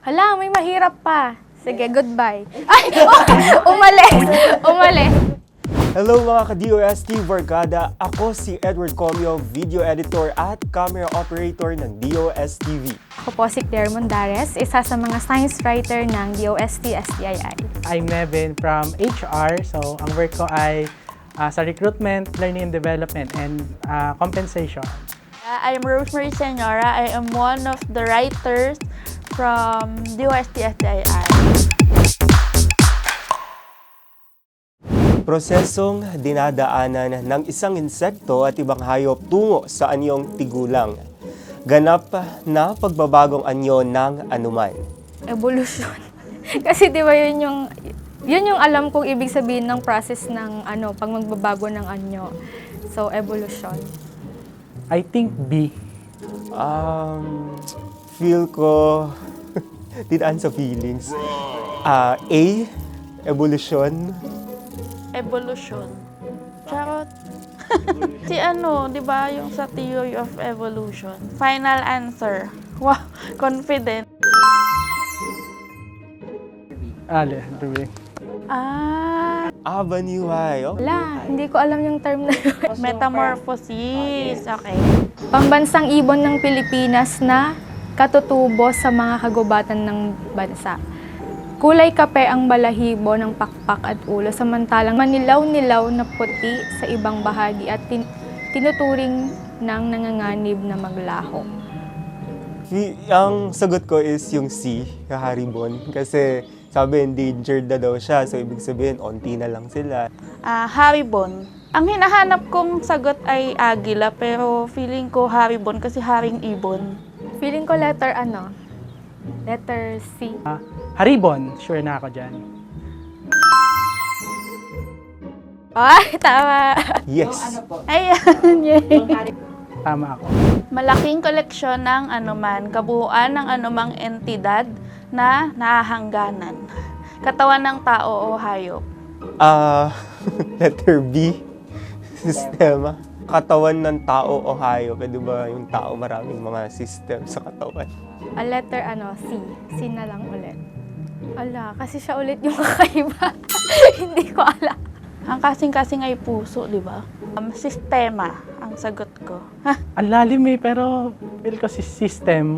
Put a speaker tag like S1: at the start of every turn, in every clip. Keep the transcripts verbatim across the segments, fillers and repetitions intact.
S1: Hala, may mahirap pa. Sige, goodbye. Ay, umalis. Umalis.
S2: Hello mga ka-D O S T Barkada, ako si Edward Comio, video editor at camera operator ng D O S T V.
S1: Ako po si Claire Mondares, isa sa mga science writer ng D O S T S D I I.
S3: I'm Nevin from H R. So, ang work ko ay uh, sa recruitment, learning and development, and uh, compensation.
S4: Uh, I'm Rosemary Senora. I am one of the writers from D O S T S D I I.
S2: Prosesong dinadaanan ng isang insekto at ibang hayop tungo sa anyong tigulang. Ganap na pagbabagong anyo ng anuman.
S1: Evolution. Kasi di ba yun yung, yun yung alam kong ibig sabihin ng process ng ano, pag magbabago ng anyo. So, evolution.
S3: I think B.
S2: Um, feel ko, tinaan sa feelings. Ah, A, evolution.
S4: Evolution. Charot. Si ano, di ba, yung sa theory of evolution. Final answer. Wow, confident.
S3: Ale, B.
S4: Ah,
S2: Avenue Y. Oh.
S1: Wala, hindi ko alam yung term na yun.
S4: metamorphosis. Okay.
S1: Pambansang ibon ng Pilipinas na katutubo sa mga kagubatan ng bansa. Kulay kape ang balahibo ng pakpak at ulo, samantalang manilaw-nilaw na puti sa ibang bahagi at tin- tinuturing ng nanganganib na maglaho.
S2: Y- ang sagot ko is yung C, kaharibon. Kasi sabi endangered na daw siya, so ibig sabihin, onti na lang sila.
S4: Ah, haribon. Ang hinahanap kong sagot ay agila, pero feeling ko haribon kasi haring ibon.
S1: Feeling ko letter ano? Letter C.
S3: Uh, Haribon, sure na ako dyan.
S1: Ay, tama!
S2: Yes.
S4: Ayan, yay.
S3: Tama ako.
S4: Malaking koleksyon ng anuman, kabuuan ng anumang entidad na nahahangganan. Katawan ng tao o hayop.
S2: Ah, letter B, sistema. Katawan ng tao o hayop. Eh, di ba yung tao maraming mga system sa katawan?
S1: A letter ano? C. C na lang ulit. Ala, kasi siya ulit yung kakaiba. Hindi ko alam.
S4: Ang kasing-kasing ay puso, di ba? Um, sistema ang sagot ko.
S3: Ang lalim eh, pero feel ko si system.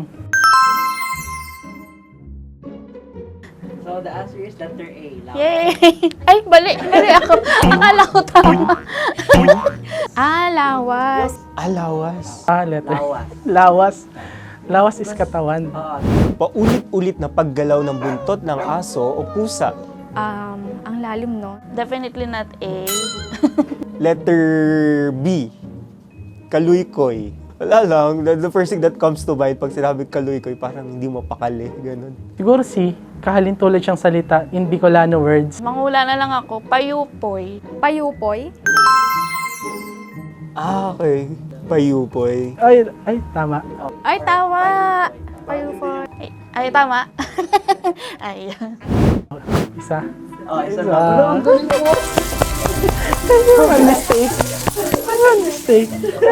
S5: So the answer is letter A. Lawas.
S4: Yay! Ay, bali, bali ako. Akala ko tama.
S1: Ah, lawas.
S2: Alawas.
S3: Ah, letter.
S5: Lawas.
S3: Lawas. Lawas is katawan.
S5: Oo.
S2: Paulit-ulit na paggalaw ng buntot ng aso o pusa.
S1: Um, ang lalim, no?
S4: Definitely not A.
S2: Letter B, kaluykoy. Wala lang, the, the first thing that comes to mind pag sinabi kaluykoy, parang hindi mo pakali, ganun.
S3: Siguro si kahalintulad siyang salita in Bicolano words.
S4: Mangula na lang ako. Payupoy.
S1: Payupoy.
S2: Ah, okay. Payupoy.
S3: Ay, ay, tama.
S1: Ay, tama! Payupoy.
S4: Ay, ay tama. Ay.
S3: Isa.
S5: Oh, isa
S3: Isa.
S5: na.
S3: One mistake. One mistake.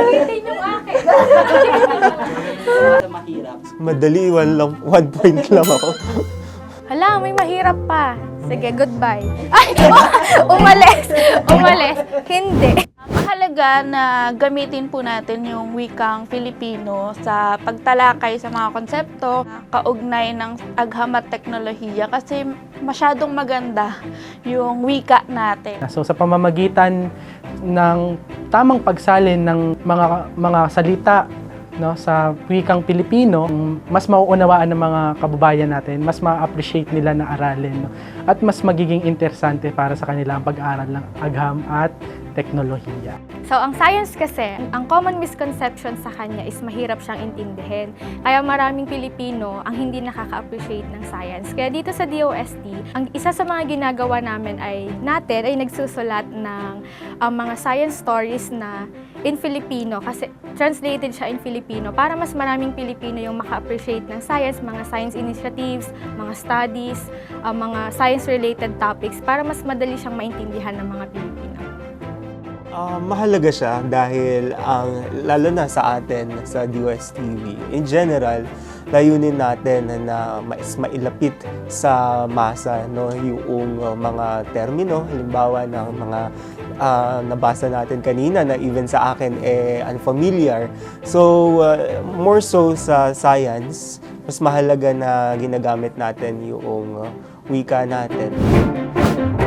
S5: Ito mahirap.
S2: Madali, one, lang, one point lang ako.
S1: Hala, may mahirap pa. Sige, goodbye. Ay, umalis! Umalis. Hindi.
S4: Mahalaga na gamitin po natin yung wikang Filipino sa pagtalakay sa mga konsepto na kaugnay ng agham at teknolohiya kasi masyadong maganda yung wika natin.
S3: So sa pamamagitan ng tamang pagsalin ng mga mga salita no sa wikang Pilipino, mas mauunawaan ng mga kababayan natin, mas ma-appreciate nila na aralin no? At mas magiging interesante para sa kanila ang pag-aaral ng agham at teknolohiya.
S1: So, ang science kasi, ang common misconception sa kanya is mahirap siyang intindihin. Kaya maraming Pilipino ang hindi nakaka-appreciate ng science. Kaya dito sa D O S T, ang isa sa mga ginagawa namin ay natin ay nagsusulat ng um, mga science stories na in Filipino kasi translated siya in Filipino para mas maraming Pilipino yung maka-appreciate ng science, mga science initiatives, mga studies, uh, mga science-related topics para mas madali siyang maintindihan ng mga Pilipino.
S2: Uh, mahalaga siya dahil ang lalo na sa atin sa D O S T V in general, layunin natin na mas mailapit sa masa, no, yung uh, mga termino, halimbawa ng mga uh, nabasa natin kanina na even sa akin eh unfamiliar. So uh, more so sa science, mas mahalaga na ginagamit natin yung uh, wika natin.